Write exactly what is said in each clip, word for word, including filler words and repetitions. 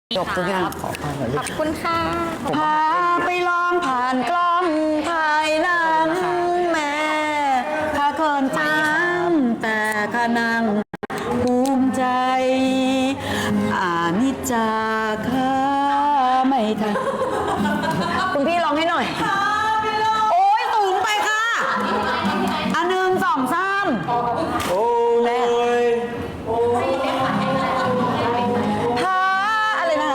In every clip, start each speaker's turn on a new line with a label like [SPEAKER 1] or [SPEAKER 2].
[SPEAKER 1] จบทุกอย่างขอฟังหน่อยลู
[SPEAKER 2] ข
[SPEAKER 1] ก
[SPEAKER 2] อบคุณค่ะ
[SPEAKER 1] พาไปลองผ่านกล้องถ่ายหนังแม่ข้าเกินจำแต่ข้านั่งภูมิใจอานิจจาข้าไม่ทันคุณพี่ร้องให้หน่อย โอ้ยสูงไปค่ะอันหนึ่งสองสามโอ้ยพาอะไรนะ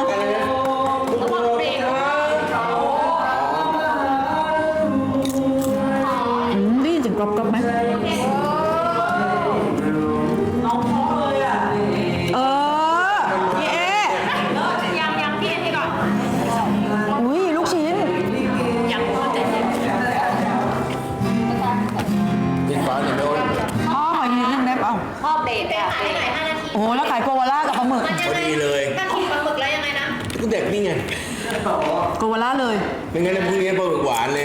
[SPEAKER 1] อืมได้ยินเสียงกรอบกรอบไหมเออพี่เอ
[SPEAKER 2] ยังยังพี่เอ็นให้ก่อน
[SPEAKER 1] อุ้ยลูกชิ้น
[SPEAKER 2] ยังพูดเจ็ด
[SPEAKER 3] กินฟ้าเนี่ยไม่โอ้ย
[SPEAKER 1] พ่อขอยืนนึงได้เปล่า
[SPEAKER 2] พ่อเบรกอ่ะขายได้หน่อยห้านาที
[SPEAKER 1] โอ้โหแล้วขายโกวาล่ากับปลาหมึก
[SPEAKER 3] พอดีเลย
[SPEAKER 2] ถ้ากินปลาหมึกแล้วยังไงนะ
[SPEAKER 3] ก็เด็กนี่ไง
[SPEAKER 1] โกวาล่าเลย
[SPEAKER 3] ไม่งั้นพรุ่งนี้ปลาหมึกหวานเลย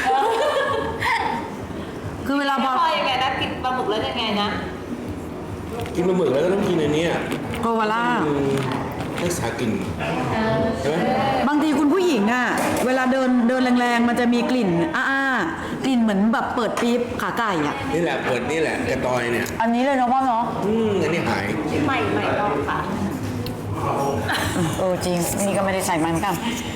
[SPEAKER 1] คือเวลาพอ
[SPEAKER 2] พ่อยังไงนะกินปลาหมึกแล้วยังไงนะ
[SPEAKER 3] กินปลาหมึกแล้วก็ต้องกินอันเนี้ย
[SPEAKER 1] โกวาล่า
[SPEAKER 3] อืมให้สากินใช่ไหม
[SPEAKER 1] บางทีคุณผู้หญิงอ่ะเวลาเดินเดินแรงๆ มันจะมีกลิ่นอ้าๆกลิ่นเหมือนแบบเปิดปี๊บขาไก่อ่ะ
[SPEAKER 3] นี่แหละเปิดนี่แหละกระตอยเนี่ย
[SPEAKER 1] อันนี้เลยเนาะพ่อเนาะ
[SPEAKER 3] อืมอันนี้หาย
[SPEAKER 2] ใหม่ใหม่ลองค่ะ
[SPEAKER 1] เออจริงนี่ก็ไม่ได้ใส่มันกัน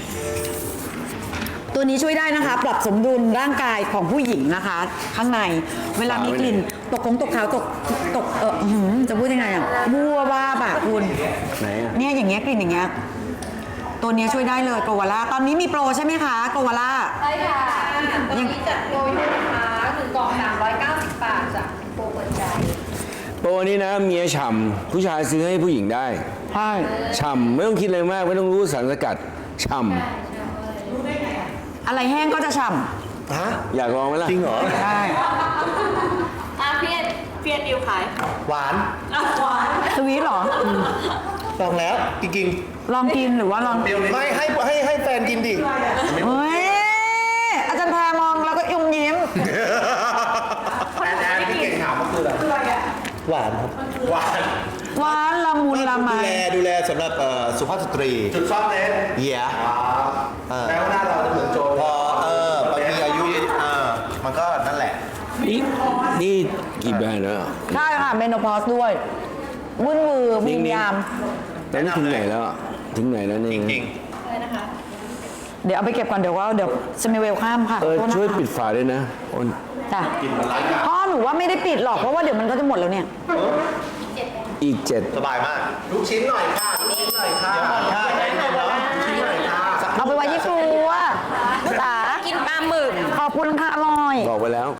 [SPEAKER 1] ตัวนี้ช่วยได้นะคะ ปรับสมดุลร่างกายของผู้หญิงนะคะ ข้างในเวลามีกลิ่นตกของตกขาวตกตกเอออื้อหือจะพูดยังไงอ่ะวัวว่าบะคุณ
[SPEAKER 3] ไหนอ่ะ
[SPEAKER 1] เนี่ยอย่างเงี้ยกลิ่นอย่างเงี้ยตัวเนี้ยช่วยได้เลยโกวาล่าตอนนี้มีโปรใช่ไหมคะโกวาล่า
[SPEAKER 2] ใช่ค่ะตอนนี้จัดโปรอยู่นะคะคือกล่องสามร้อยเก้าสิบบาทจ้ะโปรเปิดใจ
[SPEAKER 3] โปรนี้นะเมียฉ่ำผู้ชายซื้อให้ผู้หญิงได้
[SPEAKER 1] ใช่
[SPEAKER 3] ฉ่ำไม่ต้องคิดอะไรมากไม่ต้องรู้สารสกัดฉ่
[SPEAKER 1] อะไรแห้งก็จะฉ่
[SPEAKER 3] ำฮะอยากลองไหมล่ะจริงเหรอ
[SPEAKER 1] ำใช่
[SPEAKER 2] อ่ะพี่เอ็นพี่เอ็นดิวขาย
[SPEAKER 4] หวาน
[SPEAKER 2] หวาน
[SPEAKER 1] สวีทเหรอ
[SPEAKER 4] ลองแล้วจริง
[SPEAKER 1] ลองกินหรือว่าลอง
[SPEAKER 4] ๆไม่ให้ให้ให้แฟนกินดิ
[SPEAKER 1] เฮ้ยอาจารย์แพรมองแล้วก็ยุ่มยิ้ม
[SPEAKER 4] แอนแอนที่เก่งถามก็คืออะไรหวานครับหวาน
[SPEAKER 1] หวานละมุนละไม
[SPEAKER 4] ดูแลดูแลสำหรับเอ่อสุภาพสตรี
[SPEAKER 5] จุดซ่อนเล้น
[SPEAKER 4] เหี้ยเออ
[SPEAKER 5] แม้ว่าหน้าเราจะเหมือนโจร
[SPEAKER 4] พอเออบางทีอายุเออมันก็นั่นแหละ
[SPEAKER 3] นี่นี่กี่แบรนด์แล้วอ่ะ
[SPEAKER 1] ใช่ค่ะเมโนพอสด้วยวุ่นวือวิญญาม
[SPEAKER 3] ตอนนี้ถึงไหนแล้วอะถึงไหนแล้วเนี่ย
[SPEAKER 4] จริง
[SPEAKER 1] เดี๋ยวเอาไปเก็บก่อนเดี๋ยวว่าเดี๋ยวจะมีเวลข้ามค่ะ
[SPEAKER 3] เออ
[SPEAKER 1] โทษนะคะ
[SPEAKER 3] ช่วยปิดฝาด้วยนะโอน
[SPEAKER 1] จ้ะพ่อหนูว่าไม่ได้ปิดหรอกเพราะว่าเดี๋ยวมันก็จะหมดแล้วเนี่ย
[SPEAKER 3] อีกเจ็ด
[SPEAKER 4] สบายมาก
[SPEAKER 5] ลูกชิ้นหน่อยค่ะ ลูกชิ้นหน่อยค่ะ
[SPEAKER 4] ใช่ได้ไหมเนาะ
[SPEAKER 5] ลูกชิ้นหน่อยค่ะ
[SPEAKER 1] เอาไปไว้ยี่ครัวจ๋า
[SPEAKER 2] กินปลาหมึก
[SPEAKER 1] ขอบคุณค่ะอร่อย
[SPEAKER 3] บอกไปแล้ว